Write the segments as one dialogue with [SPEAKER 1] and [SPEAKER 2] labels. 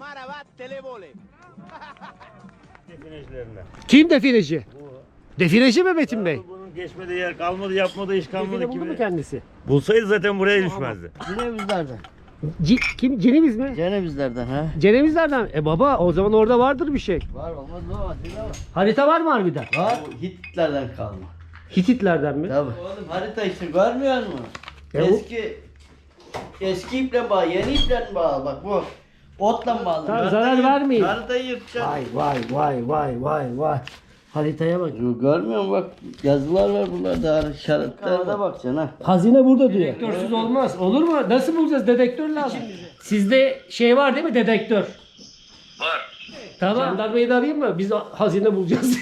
[SPEAKER 1] Definecilerine.
[SPEAKER 2] Kim defineci? Defineci mi Metin Bey?
[SPEAKER 1] Bunun geçmediği yer kalmadı, yapmadığı iş kalmadı
[SPEAKER 2] Define buldu
[SPEAKER 1] gibi.
[SPEAKER 2] mu kendisi?
[SPEAKER 1] Bulsaydı zaten buraya düşmezdi.
[SPEAKER 3] Cenevizlerden.
[SPEAKER 2] Kim? Ceneviz mi?
[SPEAKER 3] Cenevizlerden ha.
[SPEAKER 2] Cenevizlerden. Baba o zaman orada vardır bir şey.
[SPEAKER 3] Var olmaz mı? Var.
[SPEAKER 2] Harita var mı harbiden?
[SPEAKER 3] Var. Hititlerden kalma.
[SPEAKER 2] Hititlerden mi?
[SPEAKER 3] Tabii. Oğlum harita işte görmüyor musun? Eski iple bağlı, yeni iple bağlı. Bak bu otla bağlı.
[SPEAKER 2] Tamam, zarar vermeyin.
[SPEAKER 3] Haritayı yırtacaksın.
[SPEAKER 2] Vay. Haritaya bak.
[SPEAKER 3] Görmüyor musun? Bak yazılar var buralarda. İşaretler var. Bakacaksın ha.
[SPEAKER 2] Hazine burada diyor. Detektörsüz olmaz. Olur mu? Nasıl bulacağız? Dedektör lazım. Sizde şey var değil mi? Dedektör.
[SPEAKER 4] Var.
[SPEAKER 2] Tamam. Jandarmayı da arayayım mı? Biz hazine bulacağız.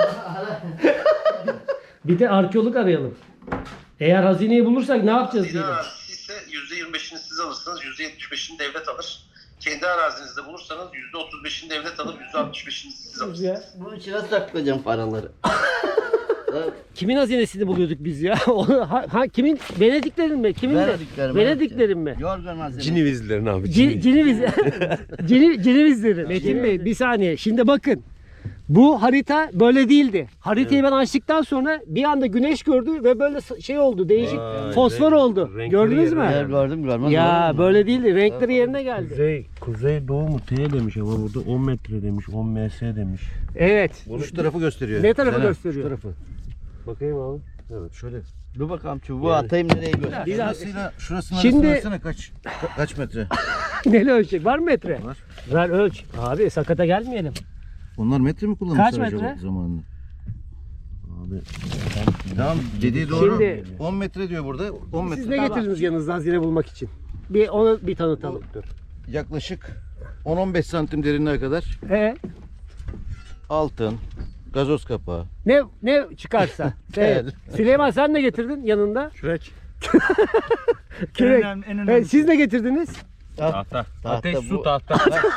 [SPEAKER 2] Bir de arkeolog arayalım. Eğer hazineyi bulursak ne yapacağız
[SPEAKER 4] Hazine
[SPEAKER 2] diyelim.
[SPEAKER 4] arazisi ise %25'ini siz alırsınız, %75'ini devlet alır. Kendi arazinizde bulursanız %35'ini devlet alır, %65'ini siz alırsınız.
[SPEAKER 3] Bunun içine saklayacağım paraları.
[SPEAKER 2] Kimin hazinesini buluyorduk biz ya? Kimin? Venediklerin mi? Kimin de?
[SPEAKER 3] Venediklerin,
[SPEAKER 2] Venediklerin mi?
[SPEAKER 3] Yorgan hazine.
[SPEAKER 1] Cinevizlerin abi.
[SPEAKER 2] Cinevizlerin. Metin Bey bir saniye. Şimdi bakın. Bu harita böyle değildi. Haritayı ben açtıktan sonra bir anda güneş gördü ve böyle şey oldu. Değişik fosfor oldu. Gördünüz mü?
[SPEAKER 3] Yer gördüm görmez.
[SPEAKER 2] Ya böyle değildi. Renkleri yerine geldi.
[SPEAKER 1] Kuzey doğu mu T demiş ama burada 10 metre demiş, 10 ms demiş.
[SPEAKER 2] Evet.
[SPEAKER 5] Şu tarafı gösteriyor.
[SPEAKER 2] Ne tarafı
[SPEAKER 5] Caner,
[SPEAKER 2] gösteriyor?
[SPEAKER 5] Şu tarafı.
[SPEAKER 1] Bakayım abi.
[SPEAKER 5] Evet şöyle.
[SPEAKER 3] Dur bakalım çubuğu atayım nereye göster.
[SPEAKER 2] Bir daha-
[SPEAKER 5] Şurasını
[SPEAKER 2] Şimdi-
[SPEAKER 5] arasına kaç metre?
[SPEAKER 2] Neyle ölçecek? Var mı metre?
[SPEAKER 5] Var.
[SPEAKER 2] Ver ölç. Abi sakata gelmeyelim.
[SPEAKER 5] Onlar metre mi kullanmışlar
[SPEAKER 2] Kaç
[SPEAKER 5] acaba
[SPEAKER 2] metre?
[SPEAKER 5] zamanında?
[SPEAKER 1] Abi
[SPEAKER 5] Tamam dediği doğru.
[SPEAKER 2] Şimdi-
[SPEAKER 5] 10 metre diyor burada. 10 metre.
[SPEAKER 2] Siz ne getirdiniz yanınızda hazine bulmak için? Bir onu bir tanıtalım.
[SPEAKER 5] Yaklaşık 10-15 santim derinliğe kadar altın, gazoz kapağı.
[SPEAKER 2] Ne çıkarsa. Evet. Süleyman sen ne getirdin yanında?
[SPEAKER 1] kürek.
[SPEAKER 2] Kürek. Siz ne getirdiniz?
[SPEAKER 1] Tahta.
[SPEAKER 3] Ateş, su,
[SPEAKER 1] tahta.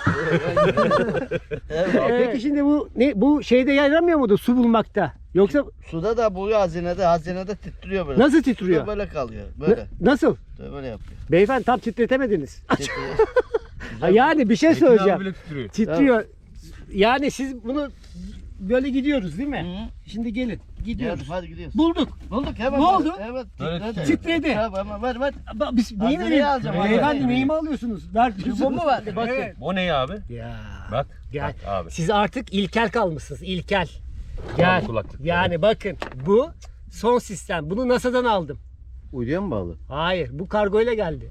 [SPEAKER 2] Peki şimdi bu şeyde yaramıyor muydu su bulmakta? Yoksa
[SPEAKER 3] Suda da bu hazinede titriyor böyle.
[SPEAKER 2] nasıl
[SPEAKER 3] Suda
[SPEAKER 2] titriyor?
[SPEAKER 3] böyle kalıyor. Böyle.
[SPEAKER 2] Nasıl?
[SPEAKER 3] Böyle yapıyor.
[SPEAKER 2] Beyefendi tam titretemediniz.
[SPEAKER 3] Titriyor.
[SPEAKER 2] Ha, yani bir şey söyleyeceğim.
[SPEAKER 1] bile titriyor.
[SPEAKER 2] Titriyor. Yani siz bunu böyle gidiyoruz değil mi?
[SPEAKER 3] Hı.
[SPEAKER 2] Şimdi gelin. Gidiyoruz.
[SPEAKER 3] Hadi gidiyoruz.
[SPEAKER 2] Bulduk.
[SPEAKER 3] Bulduk hemen.
[SPEAKER 2] Ne oldu?
[SPEAKER 3] Evet.
[SPEAKER 1] Böyle
[SPEAKER 3] Titredi.
[SPEAKER 2] titredi.
[SPEAKER 3] Tamam ver.
[SPEAKER 2] Biz neyi
[SPEAKER 3] Hazineyi
[SPEAKER 2] vereyim?
[SPEAKER 3] alacağım,
[SPEAKER 2] Beyefendi
[SPEAKER 3] hazineyi.
[SPEAKER 2] neyi mi alıyorsunuz? Ver.
[SPEAKER 3] Bu mu var?
[SPEAKER 2] Bakın.
[SPEAKER 3] Evet.
[SPEAKER 1] O ne abi?
[SPEAKER 2] Ya.
[SPEAKER 1] Bak.
[SPEAKER 2] Gel.
[SPEAKER 1] Bak abi.
[SPEAKER 2] Siz artık ilkel kalmışsınız. İlkel. Gel.
[SPEAKER 1] kulaklık.
[SPEAKER 2] Yani bakın bu son sistem. Bunu NASA'dan aldım.
[SPEAKER 5] Uyduya mı bağlı?
[SPEAKER 2] Hayır, bu kargoyla geldi.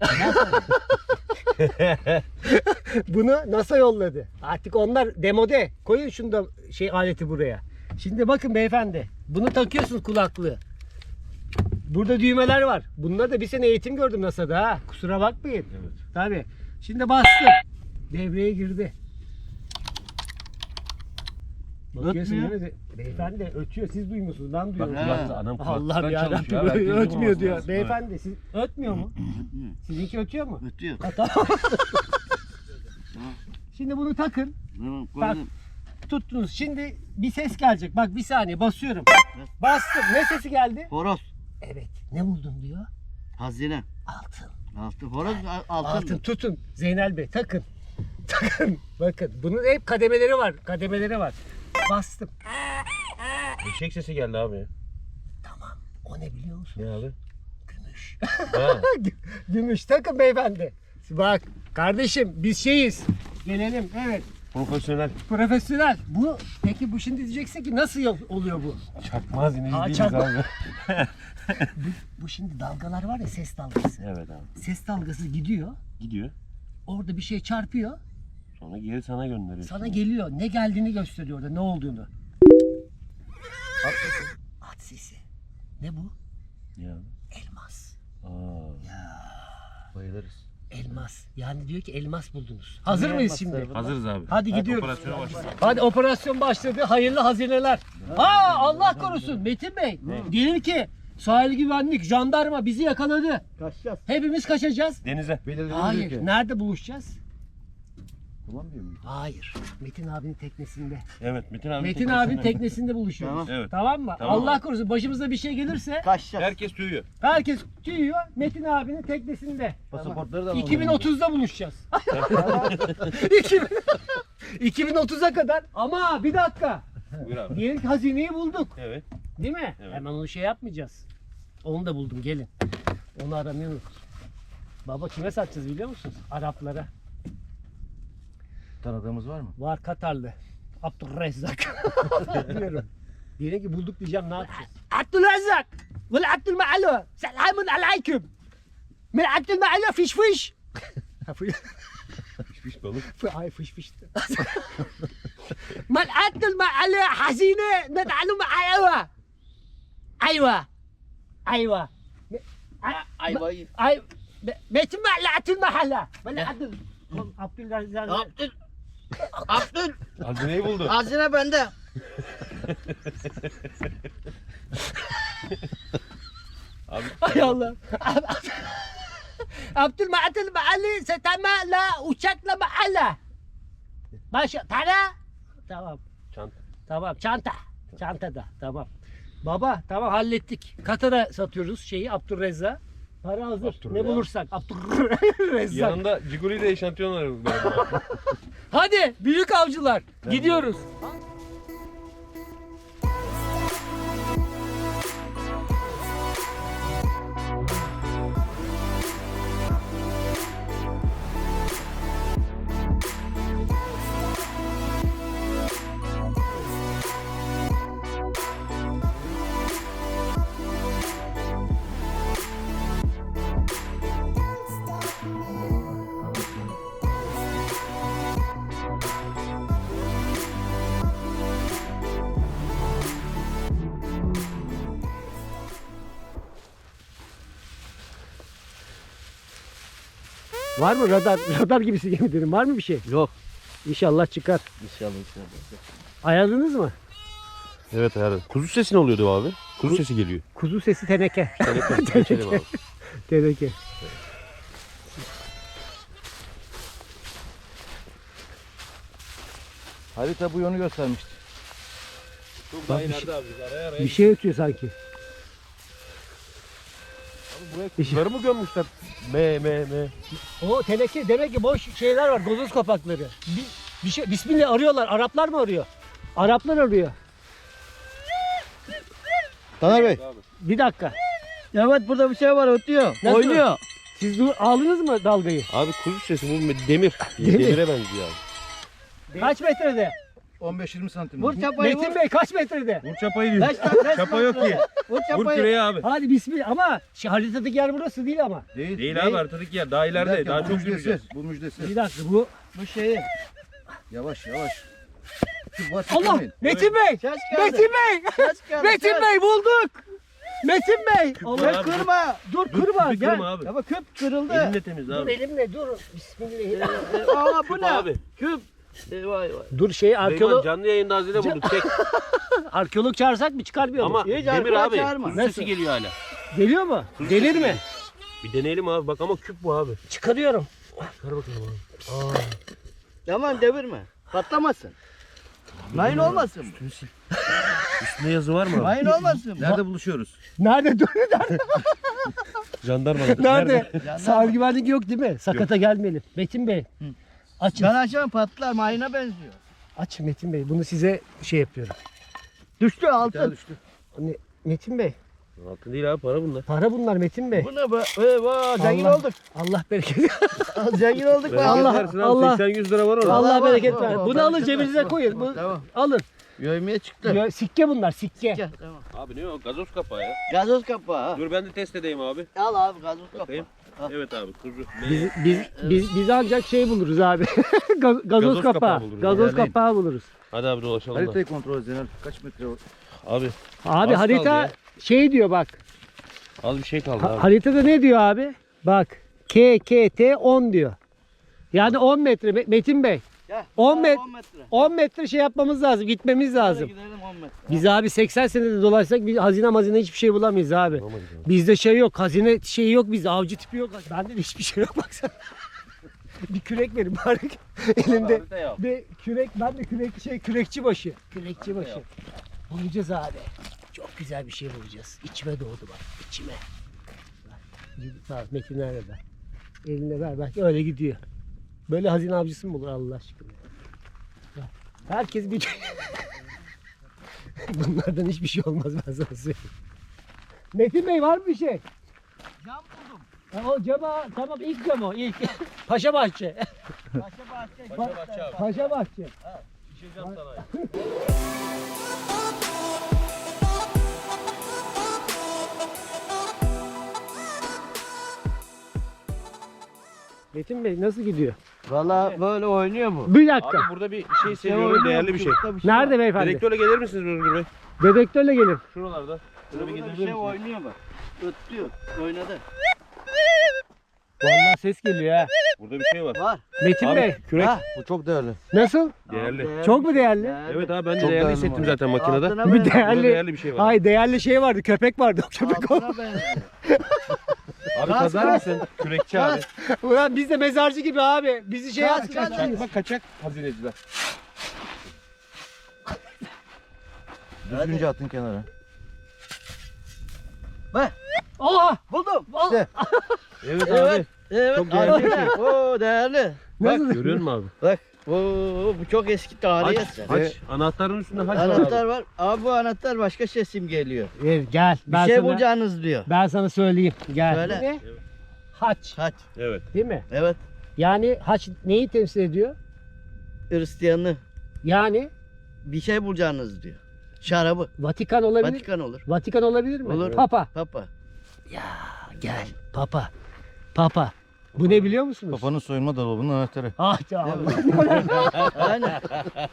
[SPEAKER 2] Bunu NASA yolladı. Artık onlar demode. Koyun şunu da aleti buraya. Şimdi bakın beyefendi. Bunu takıyorsunuz kulaklığı. Burada düğmeler var. Bunlar da bir sene eğitim gördüm NASA'da ha. Kusura bakmayın.
[SPEAKER 1] Evet.
[SPEAKER 2] Tabii. Şimdi bastım. Devreye girdi. Bakıyorsun
[SPEAKER 3] Ötmüyor.
[SPEAKER 2] değil mi? Beyefendi ötüyor. Siz duymuyorsunuz. Ben
[SPEAKER 1] Bak
[SPEAKER 2] duyuyorum.
[SPEAKER 1] kulakta adam
[SPEAKER 2] Allah'ım
[SPEAKER 1] kulaktan
[SPEAKER 2] yarabbim
[SPEAKER 1] çalışıyor. Herkesin
[SPEAKER 2] ötmüyor
[SPEAKER 1] bulması
[SPEAKER 2] diyor.
[SPEAKER 1] lazım.
[SPEAKER 2] Beyefendi siz ötmüyor mu? Sizinki ötüyor mu?
[SPEAKER 3] Ötüyor.
[SPEAKER 2] Ha, tamam. Şimdi bunu takın.
[SPEAKER 3] Tamam,
[SPEAKER 2] Bak
[SPEAKER 3] koydum.
[SPEAKER 2] tuttunuz. Şimdi bir ses gelecek. Bak bir saniye basıyorum. Bastım. Ne sesi geldi?
[SPEAKER 3] Horoz.
[SPEAKER 2] Evet. Ne buldun diyor.
[SPEAKER 3] Hazine.
[SPEAKER 2] Altın.
[SPEAKER 3] Altın. Horoz altın.
[SPEAKER 2] Altın tutun. Zeynel Bey takın. Takın. Bakın bunun hep kademeleri var. Kademeleri var. Bastım.
[SPEAKER 1] Eşek sesi geldi abi.
[SPEAKER 2] Tamam. O ne biliyor musun?
[SPEAKER 1] Ne abi?
[SPEAKER 2] Gümüş.
[SPEAKER 1] Ha.
[SPEAKER 2] Gümüş takın beyefendi. Bak kardeşim biz şeyiz. Gelelim. Evet.
[SPEAKER 1] Profesyonel.
[SPEAKER 2] Profesyonel. Peki bu şimdi diyeceksin ki nasıl oluyor bu?
[SPEAKER 1] Çakmaz ineci
[SPEAKER 2] Aa,
[SPEAKER 1] değiliz
[SPEAKER 2] çakma.
[SPEAKER 1] abi.
[SPEAKER 2] Bu şimdi dalgalar var ya ses dalgası.
[SPEAKER 1] Evet abi.
[SPEAKER 2] Ses dalgası gidiyor.
[SPEAKER 1] Gidiyor.
[SPEAKER 2] Orada bir şey çarpıyor.
[SPEAKER 1] Sonra geri sana gönderiyor.
[SPEAKER 2] Sana geliyor. Ne geldiğini gösteriyor orada. Ne olduğunu. At sesi. Ne bu?
[SPEAKER 1] Ya.
[SPEAKER 2] Elmas.
[SPEAKER 5] Bayılırız.
[SPEAKER 2] Elmas. Yani diyor ki elmas buldunuz. Hazır mıyız şimdi?
[SPEAKER 1] Hazırız abi.
[SPEAKER 2] Hadi gidiyoruz.
[SPEAKER 1] Operasyona başlayalım.
[SPEAKER 2] Hadi operasyon başladı. Hayırlı hazineler. Aa Allah korusun Metin Bey. Diyelim ki sahil güvenlik, jandarma bizi yakaladı.
[SPEAKER 3] Kaçacağız.
[SPEAKER 2] Hepimiz kaçacağız.
[SPEAKER 1] Denize.
[SPEAKER 2] Hayır. Nerede buluşacağız?
[SPEAKER 5] Kullanmıyor muyum?
[SPEAKER 2] Hayır. Metin abinin teknesinde.
[SPEAKER 1] Evet Metin abi.
[SPEAKER 2] Metin abinin teknesinde buluşuyoruz.
[SPEAKER 5] Tamam.
[SPEAKER 1] Evet.
[SPEAKER 2] Tamam mı?
[SPEAKER 1] Tamam
[SPEAKER 2] Allah
[SPEAKER 1] abi.
[SPEAKER 2] korusun başımıza bir şey gelirse
[SPEAKER 3] Kaçacağız.
[SPEAKER 1] Herkes tüyüyor.
[SPEAKER 2] herkes tüyüyor. Metin abinin teknesinde.
[SPEAKER 5] Pasaportları da alalım.
[SPEAKER 2] 2030'da buluşacağız. 2030'a kadar. Ama bir dakika.
[SPEAKER 1] Buyur abi.
[SPEAKER 2] Diyelim ki hazineyi bulduk.
[SPEAKER 1] Evet.
[SPEAKER 2] Değil mi?
[SPEAKER 1] Evet.
[SPEAKER 2] Hemen onu şey yapmayacağız. Onu da buldum gelin. Onu aramayı unuttum. Baba kime satacağız biliyor musunuz? Araplara.
[SPEAKER 5] Tanıdığımız var mı?
[SPEAKER 2] Var Katarlı. Abdülrezzak. Diyorum. Diyelim ki bulduk diyeceğim ne yapacağız? Abdülrezzak. Vel Abdülmealo. Selamun aleyküm. Min Abdülmealo fiş fiş.
[SPEAKER 1] Pişmiş balık.
[SPEAKER 2] Ay fiş fiş. من Abdülmealo hazine ندعلو معايا. Ayva. Ayva.
[SPEAKER 3] Ayvayı.
[SPEAKER 2] Ay Metin Ma'la Mahalla. Böyle Abdül. Abdülrezzak.
[SPEAKER 3] Abdül.
[SPEAKER 1] Hazineyi buldu.
[SPEAKER 3] Hazine bende.
[SPEAKER 2] Ay Allah. Abdülmatil Mahalli setamala uçakla mahalle. Başa para. Tamam.
[SPEAKER 1] Çanta.
[SPEAKER 2] Tamam çanta. Çantada tamam. Baba tamam hallettik. Katar'a satıyoruz şeyi Abdülrezzak. Para hazır.
[SPEAKER 1] Abdülrezzak.
[SPEAKER 2] Ne bulursak Abdülrezzak.
[SPEAKER 1] Yanında Ciguli ile eşantiyon var galiba.
[SPEAKER 2] Hadi büyük avcılar gidiyoruz. Var mı radar? Radar gibisi gemilerin var mı bir şey?
[SPEAKER 3] Yok.
[SPEAKER 2] İnşallah çıkar.
[SPEAKER 3] İnşallah.
[SPEAKER 2] Ayarladınız mı?
[SPEAKER 1] Evet herhalde. Kuzu sesi ne oluyordu abi? Kuzu sesi geliyor.
[SPEAKER 2] Kuzu sesi teneke.
[SPEAKER 1] Geçelim abi.
[SPEAKER 2] Teneke.
[SPEAKER 5] Harita bu yönü göstermişti.
[SPEAKER 1] Çok daha ileride abi. Araya
[SPEAKER 2] Bir şey ötüyor sanki.
[SPEAKER 1] Buraya kuzuları mı gömmüşler? Me.
[SPEAKER 2] O teneke demek ki boş şeyler var. Gazoz kapakları. Bir şey Bismillah arıyorlar. Araplar mı arıyor? Araplar arıyor.
[SPEAKER 5] Taner Bey.
[SPEAKER 2] Bir dakika.
[SPEAKER 3] Evet burada bir şey var ötüyor.
[SPEAKER 2] Nasıl?
[SPEAKER 3] Oynuyor.
[SPEAKER 2] Siz aldınız mı dalgayı?
[SPEAKER 1] Abi kuzu sesi bu demir.
[SPEAKER 2] Demir.
[SPEAKER 1] Demire benziyor abi.
[SPEAKER 2] Kaç metrede?
[SPEAKER 5] 15-20 santim.
[SPEAKER 3] Vur çapayı
[SPEAKER 2] Metin
[SPEAKER 3] vur.
[SPEAKER 2] Bey kaç metrede?
[SPEAKER 1] Vur çapayı diyor.
[SPEAKER 3] Beş
[SPEAKER 1] Çapa yok ki.
[SPEAKER 3] Vur
[SPEAKER 1] Vur
[SPEAKER 3] çapayı.
[SPEAKER 1] küreği abi.
[SPEAKER 2] Hadi bismillah ama şu haritadaki yer burası değil ama.
[SPEAKER 1] Değil abi haritadaki yer. Daha ileride. Daha çok yürüyeceğiz.
[SPEAKER 5] Bu müjdesi.
[SPEAKER 2] Bir dakika bu.
[SPEAKER 3] Bu şeyi.
[SPEAKER 5] Yavaş yavaş. Şu basit
[SPEAKER 2] Allah!
[SPEAKER 5] demeyin.
[SPEAKER 2] Metin Bey!
[SPEAKER 3] Ses geldi.
[SPEAKER 2] Metin Bey!
[SPEAKER 3] Ses geldi.
[SPEAKER 2] Metin
[SPEAKER 3] ses.
[SPEAKER 2] Bey bulduk! Metin Bey!
[SPEAKER 1] var
[SPEAKER 2] Allah
[SPEAKER 1] abi.
[SPEAKER 3] Kırma.
[SPEAKER 2] dur kırma
[SPEAKER 1] Küpü
[SPEAKER 2] gel.
[SPEAKER 1] kırma abi.
[SPEAKER 3] Ya bak küp kırıldı.
[SPEAKER 1] Elimle temiz
[SPEAKER 2] Dur
[SPEAKER 1] abi.
[SPEAKER 2] elimle dur. Bismillah.
[SPEAKER 3] Aa bu
[SPEAKER 1] Küp
[SPEAKER 3] ne?
[SPEAKER 1] abi.
[SPEAKER 3] Küp. Vay vay.
[SPEAKER 2] Dur şey
[SPEAKER 1] Süleyman
[SPEAKER 2] arkeolog
[SPEAKER 1] canlı yayında hazine bulduk. Çek.
[SPEAKER 2] arkeolog çağırsak mı çıkarmıyor mu?
[SPEAKER 1] Ama
[SPEAKER 3] Hiç
[SPEAKER 1] demir
[SPEAKER 3] arkadaş
[SPEAKER 1] abi.
[SPEAKER 3] çağırma.
[SPEAKER 1] Kuzu
[SPEAKER 2] Nasıl?
[SPEAKER 1] sesi geliyor hala.
[SPEAKER 2] Geliyor mu?
[SPEAKER 1] Kuzu
[SPEAKER 2] Gelir
[SPEAKER 1] sesi
[SPEAKER 2] mi?
[SPEAKER 1] geliyor. Bir deneyelim abi. Bak ama küp bu abi.
[SPEAKER 2] Çıkarıyorum.
[SPEAKER 1] Çıkar bakalım abi.
[SPEAKER 3] Tamam devirme. Patlamasın. Mayın olmasın.
[SPEAKER 1] Üstünde yazı var mı abi?
[SPEAKER 3] Mayın olmasın.
[SPEAKER 5] Nerede buluşuyoruz?
[SPEAKER 2] Nerede? Dur nerede?
[SPEAKER 1] Jandarma.
[SPEAKER 2] Nerede? Sahil güvenlik yok değil mi? Sakata gelmeyelim. Metin Bey. Açın.
[SPEAKER 3] Ben açamam patlar mayına benziyor.
[SPEAKER 2] Aç Metin Bey. Bunu size şey yapıyorum. Düştü
[SPEAKER 5] Bir
[SPEAKER 2] altın.
[SPEAKER 5] daha düştü.
[SPEAKER 2] Metin Bey.
[SPEAKER 1] Altın değil abi para bunlar.
[SPEAKER 2] Para bunlar Metin Bey.
[SPEAKER 3] Bu ne be? Vay zengin
[SPEAKER 2] Allah-
[SPEAKER 3] olduk.
[SPEAKER 2] Allah bereket.
[SPEAKER 3] Zengin olduk be.
[SPEAKER 2] Allah-
[SPEAKER 1] Versin abi,
[SPEAKER 2] Allah-
[SPEAKER 1] 80-100 lira var orada.
[SPEAKER 2] Allah
[SPEAKER 3] Allah
[SPEAKER 2] bereket
[SPEAKER 3] var,
[SPEAKER 2] ver.
[SPEAKER 3] var,
[SPEAKER 2] Bunu
[SPEAKER 3] var.
[SPEAKER 2] alın
[SPEAKER 3] Bereket
[SPEAKER 2] cebinize
[SPEAKER 3] ver.
[SPEAKER 2] koyun. Bu,
[SPEAKER 3] Tamam.
[SPEAKER 2] alın.
[SPEAKER 3] Yövmeye çıktı.
[SPEAKER 2] Ya, sikke bunlar sikke.
[SPEAKER 3] Gel, tamam.
[SPEAKER 1] Abi ne o? Gazoz kapağı ya.
[SPEAKER 3] Gazoz kapağı. ha.
[SPEAKER 1] Dur ben de test edeyim abi.
[SPEAKER 3] Al abi gazoz kapağı.
[SPEAKER 1] Bakayım. Evet abi kuzu.
[SPEAKER 2] Biz ancak şey buluruz abi. Gazoz kapağı.
[SPEAKER 1] kapağı buluruz.
[SPEAKER 2] Gazoz
[SPEAKER 5] İlerleyin.
[SPEAKER 2] kapağı buluruz.
[SPEAKER 1] Hadi abi dolaşalım da.
[SPEAKER 5] Haritayı kontrol et Zeynep. Kaç metre var?
[SPEAKER 1] Abi
[SPEAKER 2] Abi
[SPEAKER 1] Az
[SPEAKER 2] harita
[SPEAKER 1] kaldı ya.
[SPEAKER 2] şey diyor bak.
[SPEAKER 1] az bir şey kaldı abi.
[SPEAKER 2] Haritada ne diyor abi? Bak. KKT 10 diyor. Yani 10 metre Metin Bey.
[SPEAKER 3] Gel.
[SPEAKER 2] 10
[SPEAKER 3] Tamam,
[SPEAKER 2] metre.
[SPEAKER 3] 10 metre.
[SPEAKER 2] 10 metre şey yapmamız lazım. Gitmemiz
[SPEAKER 3] Hadi
[SPEAKER 2] lazım.
[SPEAKER 3] gidelim 10 metre.
[SPEAKER 2] Biz abi 80 senede dolaşsak bir hazine hiçbir şey bulamayız abi.
[SPEAKER 1] Bulamayız abi.
[SPEAKER 2] Bizde şey yok. Hazine şeyi yok bizde. Avcı tipi yok. Bende de hiçbir şey yok baksana. Bir kürek verin bari. Elimde bir kürek, ben de kürekçi başı. Kürekçi başı. Bulacağız abi. Çok güzel bir şey bulacağız. İçime doğdu bak, içime. Bak, Metin nerede? Eline ver bak, öyle gidiyor. Böyle hazine avcısı mı olur Allah aşkına? Bak, herkes bir... Bunlardan hiçbir şey olmaz, ben sana söyleyeyim. Metin Bey var mı bir şey?
[SPEAKER 3] Cam buldum.
[SPEAKER 2] O cama, tamam ilk cam o ilk. Paşa Bahçe. Paşa Bahçe.
[SPEAKER 1] Şişeceğim sana.
[SPEAKER 2] Metin Bey nasıl gidiyor?
[SPEAKER 3] Valla böyle oynuyor bu.
[SPEAKER 2] Bir dakika.
[SPEAKER 1] Abi burada bir şey seviyorum, değerli bir şey.
[SPEAKER 2] Nerede beyefendi?
[SPEAKER 1] Dedektörle gelir misiniz Özgür Bey?
[SPEAKER 2] Dedektörle gelin.
[SPEAKER 1] Şuralarda. Şöyle bir
[SPEAKER 3] Burada
[SPEAKER 1] gezebilir
[SPEAKER 3] bir şey
[SPEAKER 1] misiniz?
[SPEAKER 3] oynuyor bak. Ötlüyor. Oynadı.
[SPEAKER 2] Vallahi ses geliyor ha.
[SPEAKER 1] Burada bir şey var.
[SPEAKER 3] Var.
[SPEAKER 2] Metin Bey
[SPEAKER 1] Abi kürek.
[SPEAKER 5] Bu çok değerli.
[SPEAKER 2] nasıl?
[SPEAKER 1] Değerli.
[SPEAKER 2] Çok mu değerli?
[SPEAKER 1] Evet abi ben de
[SPEAKER 5] Çok
[SPEAKER 1] değerli
[SPEAKER 5] değerli
[SPEAKER 1] hissettim
[SPEAKER 5] var.
[SPEAKER 1] zaten makinede.
[SPEAKER 3] Altına
[SPEAKER 2] Bir
[SPEAKER 3] benziyor.
[SPEAKER 2] değerli.
[SPEAKER 1] değerli bir şey var.
[SPEAKER 2] Hayır değerli şey vardı, köpek vardı. O köpek o.
[SPEAKER 3] Altına benziyor.
[SPEAKER 1] Abi
[SPEAKER 3] Kas,
[SPEAKER 1] kazar
[SPEAKER 3] kas.
[SPEAKER 1] mısın? Kürekçi abi.
[SPEAKER 2] Ulan biz de mezarcı gibi abi. Bizi şey
[SPEAKER 3] Kaç,
[SPEAKER 2] yapacağız.
[SPEAKER 3] kaç.
[SPEAKER 1] Çakma kaçak hazineciler.
[SPEAKER 5] Düzgünce atın kenara.
[SPEAKER 2] Oha!
[SPEAKER 3] Buldum.
[SPEAKER 5] İşte.
[SPEAKER 1] Evet, abi.
[SPEAKER 3] Evet. Evet.
[SPEAKER 1] Çok değerli bir şey.
[SPEAKER 3] Oo değerli.
[SPEAKER 2] Nasıl?
[SPEAKER 1] Görüyor musun abi?
[SPEAKER 3] Bak. Oo, bu çok eski tarihi eser.
[SPEAKER 1] Haç. Anahtarın üstünde haç var
[SPEAKER 3] Anahtar
[SPEAKER 1] abi.
[SPEAKER 3] var. Abi bu anahtar başka şey simgeliyor.
[SPEAKER 2] Gel.
[SPEAKER 3] Bir şey bulacağınız diyor.
[SPEAKER 2] Ben sana söyleyeyim. Gel.
[SPEAKER 3] Söyle.
[SPEAKER 2] Ne? Haç.
[SPEAKER 3] Haç.
[SPEAKER 1] Evet.
[SPEAKER 2] Değil mi?
[SPEAKER 3] Evet.
[SPEAKER 2] Yani haç neyi temsil ediyor?
[SPEAKER 3] Hristiyanı.
[SPEAKER 2] Yani
[SPEAKER 3] Bir şey bulacağınız diyor. Şarabı.
[SPEAKER 2] Vatikan olabilir.
[SPEAKER 3] Vatikan olur.
[SPEAKER 2] Vatikan olabilir mi?
[SPEAKER 3] Olur.
[SPEAKER 2] Papa.
[SPEAKER 3] Papa.
[SPEAKER 2] Gel. Papa. Papa. Bu ne biliyor musunuz?
[SPEAKER 5] Papanın soyunma dolabının anahtarı.
[SPEAKER 2] Ah canım.
[SPEAKER 3] Aynen.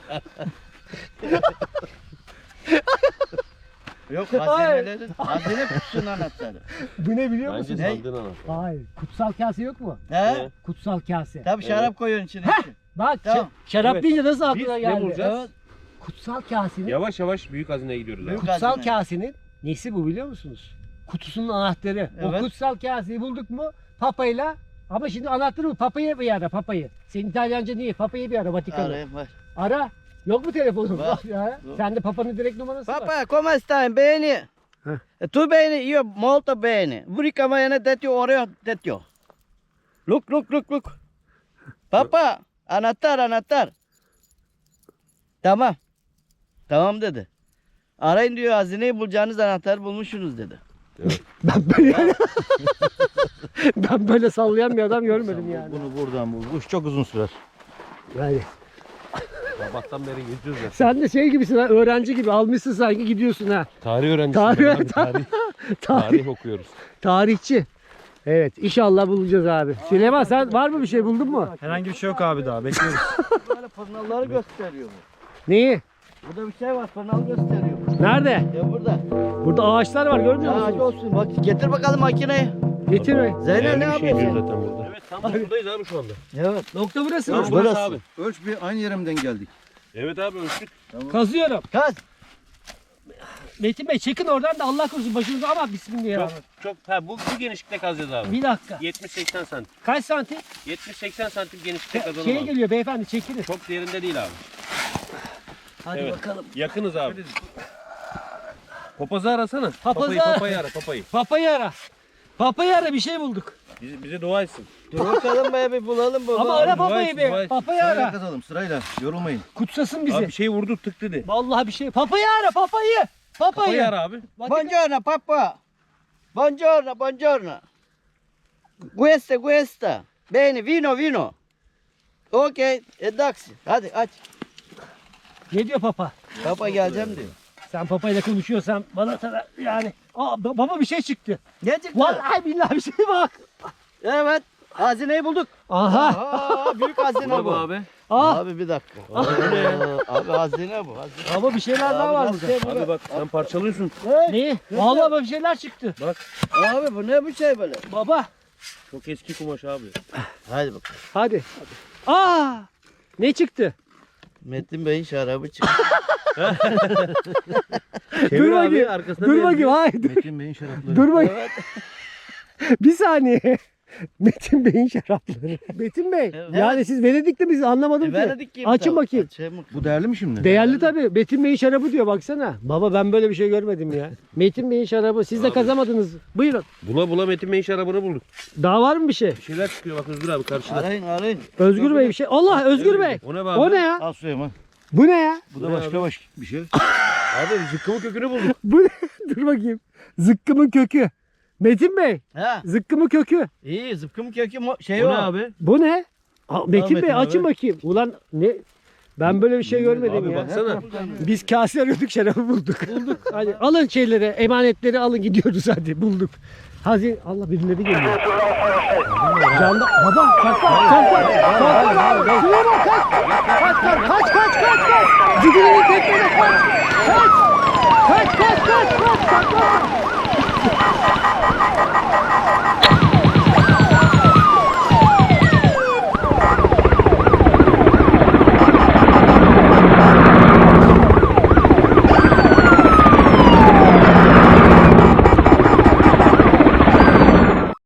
[SPEAKER 3] Yok hazinelerin. Hazine kutusunun anahtarı.
[SPEAKER 2] Bu ne biliyor
[SPEAKER 1] Bence
[SPEAKER 2] musunuz?
[SPEAKER 1] sandığın anahtarı.
[SPEAKER 2] Hayır. Kutsal kase yok mu?
[SPEAKER 3] He?
[SPEAKER 2] Kutsal kase.
[SPEAKER 3] Tabii şarap koyuyorsun içine.
[SPEAKER 2] Bak
[SPEAKER 3] Tamam.
[SPEAKER 2] şarap
[SPEAKER 1] Evet.
[SPEAKER 2] deyince nasıl
[SPEAKER 1] Biz
[SPEAKER 2] aklına
[SPEAKER 1] ne
[SPEAKER 2] geldi?
[SPEAKER 1] bulacağız?
[SPEAKER 2] Evet. Kutsal kasenin,
[SPEAKER 1] Yavaş yavaş büyük hazineye gidiyoruz abi.
[SPEAKER 3] Büyük
[SPEAKER 2] kutsal
[SPEAKER 3] hazine.
[SPEAKER 2] kasenin nesi bu biliyor musunuz? Kutusunun anahtarı. O
[SPEAKER 3] Evet.
[SPEAKER 2] kutsal kaseyi bulduk mu papayla, ama şimdi anahtarı bu. Papayı bir ara, papayı. Senin İtalyanca niye? Papayı bir ara, Vatikan'ı.
[SPEAKER 3] Arayayım var.
[SPEAKER 2] Ara. Yok mu telefonun?
[SPEAKER 3] Var.
[SPEAKER 2] Ya. Sende papanın direkt numarası var.
[SPEAKER 3] Papa, come stai? Bene? Tu bene? Io molto bene. Vurika mayana detio oreo detio. Look. Papa, anahtar. Tamam. Tamam dedi. Arayın diyor, hazineyi bulacağınız anahtarı bulmuşsunuz dedi.
[SPEAKER 2] Ben böyle sallayan bir adam görmedim yani.
[SPEAKER 5] Bunu buradan bul. Bu iş çok uzun sürer.
[SPEAKER 2] Yani.
[SPEAKER 1] Sabahtan beri geziyoruz ya.
[SPEAKER 2] Sen de şey gibisin ha, öğrenci gibi almışsın sanki gidiyorsun ha.
[SPEAKER 1] Tarih öğrencisi. Tarih okuyoruz.
[SPEAKER 2] Tarihçi. Evet, inşallah bulacağız abi. Süleyman sen var mı bir şey buldun mu?
[SPEAKER 6] Herhangi bir şey yok abi daha bekliyoruz.
[SPEAKER 3] Böyle fırnaları gösteriyor bu.
[SPEAKER 2] Neyi?
[SPEAKER 3] Burada bir şey var, fırnalı gösteriyor.
[SPEAKER 2] Nerede?
[SPEAKER 3] Ya burada.
[SPEAKER 2] Burada ağaçlar var, görmüyor
[SPEAKER 3] Ya hadi
[SPEAKER 2] musun?
[SPEAKER 3] olsun. Bak getir bakalım makineyi.
[SPEAKER 2] Getir be.
[SPEAKER 3] Zeynep ne
[SPEAKER 1] Değerli bir şey diyor
[SPEAKER 3] yapıyorsun?
[SPEAKER 1] zaten burada. Evet tam buradayız abi şu anda.
[SPEAKER 3] Evet.
[SPEAKER 2] Nokta burası mı?
[SPEAKER 1] Tam burası abi.
[SPEAKER 5] Ölç bir aynı yerimden geldik.
[SPEAKER 1] Evet abi ölçtük.
[SPEAKER 2] Kazıyorum.
[SPEAKER 3] Kaz.
[SPEAKER 2] Metin Bey çekin oradan da Allah korusun başınıza, ama bismillah.
[SPEAKER 1] Çok bu genişlikte kazacağız abi.
[SPEAKER 2] Bir dakika.
[SPEAKER 1] 70-80 santim.
[SPEAKER 2] Kaç santim?
[SPEAKER 1] 70-80 santim genişlikte kazalım
[SPEAKER 2] Şey
[SPEAKER 1] abi.
[SPEAKER 2] geliyor beyefendi, çekiniz.
[SPEAKER 1] Çok derinde değil abi.
[SPEAKER 3] Hadi
[SPEAKER 1] Evet.
[SPEAKER 3] bakalım.
[SPEAKER 1] Yakınız abi. Papazı arasana.
[SPEAKER 2] Papazı
[SPEAKER 1] Papayı ara papayı.
[SPEAKER 2] Papayı ara. Papayı ara, bir şey bulduk.
[SPEAKER 1] Bize dua etsin.
[SPEAKER 3] Dur bakalım be, bir bulalım bunu.
[SPEAKER 2] Ama ara
[SPEAKER 1] dua
[SPEAKER 2] papayı
[SPEAKER 1] etsin, dua
[SPEAKER 2] be.
[SPEAKER 1] etsin.
[SPEAKER 2] Papayı
[SPEAKER 5] Sırayla
[SPEAKER 2] ara.
[SPEAKER 5] kazalım sırayla. Yorulmayın.
[SPEAKER 2] Kutsasın bizi.
[SPEAKER 1] Abi bir şey vurdu tık dedi.
[SPEAKER 2] Vallahi bir şey. Papayı ara, papayı.
[SPEAKER 1] Papayı ara abi.
[SPEAKER 3] Buongiorno papà. Buongiorno. Questa. Bene, vino. Okey, daksi. Hadi aç.
[SPEAKER 2] Ne diyor papa?
[SPEAKER 3] Papa geleceğim diyor.
[SPEAKER 2] Sen papayla konuşuyorsan bana yani. Baba bir şey çıktı.
[SPEAKER 3] Ne çıktı?
[SPEAKER 2] Vallahi billahi bir şey bak.
[SPEAKER 3] Evet. Hazineyi bulduk.
[SPEAKER 2] Aha.
[SPEAKER 3] Aa, büyük hazine
[SPEAKER 1] Baba
[SPEAKER 3] bu.
[SPEAKER 1] abi.
[SPEAKER 3] Abi bir dakika. Abi hazine bu. Hazine.
[SPEAKER 2] Ama bir şeyler daha var
[SPEAKER 3] nasıl
[SPEAKER 2] burada.
[SPEAKER 3] şey bu?
[SPEAKER 1] Abi bak sen parçalıyorsun.
[SPEAKER 2] Ne? Vallahi bak bir şeyler çıktı.
[SPEAKER 3] Abi bu ne bu şey böyle?
[SPEAKER 2] Baba.
[SPEAKER 1] Çok eski kumaş abi.
[SPEAKER 3] Hadi bakalım.
[SPEAKER 2] Hadi. Aa! Ne çıktı?
[SPEAKER 3] Metin Bey'in şarabı çıktı.
[SPEAKER 1] Çevir
[SPEAKER 2] bakayım.
[SPEAKER 1] arkasına
[SPEAKER 2] Dur
[SPEAKER 1] bir
[SPEAKER 2] bakayım. Hayır.
[SPEAKER 5] Metin Bey'in şarapları.
[SPEAKER 2] Dur bakayım.
[SPEAKER 3] Evet.
[SPEAKER 2] Bir saniye. Metin Bey'in şarapları. Metin Bey.
[SPEAKER 3] Evet.
[SPEAKER 2] Yani siz Venedik'te biz anlamadım ki.
[SPEAKER 3] Venedik gibi
[SPEAKER 2] Açın
[SPEAKER 3] tabii.
[SPEAKER 2] bakayım.
[SPEAKER 3] Açayım.
[SPEAKER 5] Bu değerli mi şimdi?
[SPEAKER 2] Değerli tabii. Metin Bey'in şarabı diyor baksana. Baba ben böyle bir şey görmedim ya. Metin Bey'in şarabı. Siz de kazamadınız. Buyurun.
[SPEAKER 1] Bula bula Metin Bey'in şarabını bulduk.
[SPEAKER 2] Daha var mı bir şey?
[SPEAKER 1] Bir şeyler çıkıyor bak Özgür abi karşıda.
[SPEAKER 3] Arayın.
[SPEAKER 2] Özgür Bey bir şey. Allah Özgür Bey.
[SPEAKER 1] O ne be abi?
[SPEAKER 2] O ne ya?
[SPEAKER 5] Al Süleyman.
[SPEAKER 2] Bu ne ya?
[SPEAKER 5] Bu da başka bir şey.
[SPEAKER 1] Abi zıkkımın kökünü bulduk.
[SPEAKER 2] Bu ne? Dur bakayım. Zıkkımın kökü. Metin Bey.
[SPEAKER 3] Ha.
[SPEAKER 2] Zıkkımın kökü.
[SPEAKER 3] İyi zıpkım kökü şey
[SPEAKER 1] O
[SPEAKER 3] o.
[SPEAKER 1] ne abi?
[SPEAKER 2] Bu ne? Metin
[SPEAKER 3] Metin
[SPEAKER 2] Bey
[SPEAKER 3] abi.
[SPEAKER 2] açın bakayım. Ulan ne? Ben böyle bir şey görmedim
[SPEAKER 1] Abi
[SPEAKER 2] ya.
[SPEAKER 1] baksana.
[SPEAKER 2] Biz kase arıyorduk şarabı bulduk. Hadi alın şeyleri, emanetleri alın gidiyoruz hadi bulduk. Allah birileri geliyor. Canda baba kalk. Süleyman kaç. Cigilini tekmene kaç. Kaç. Saklan.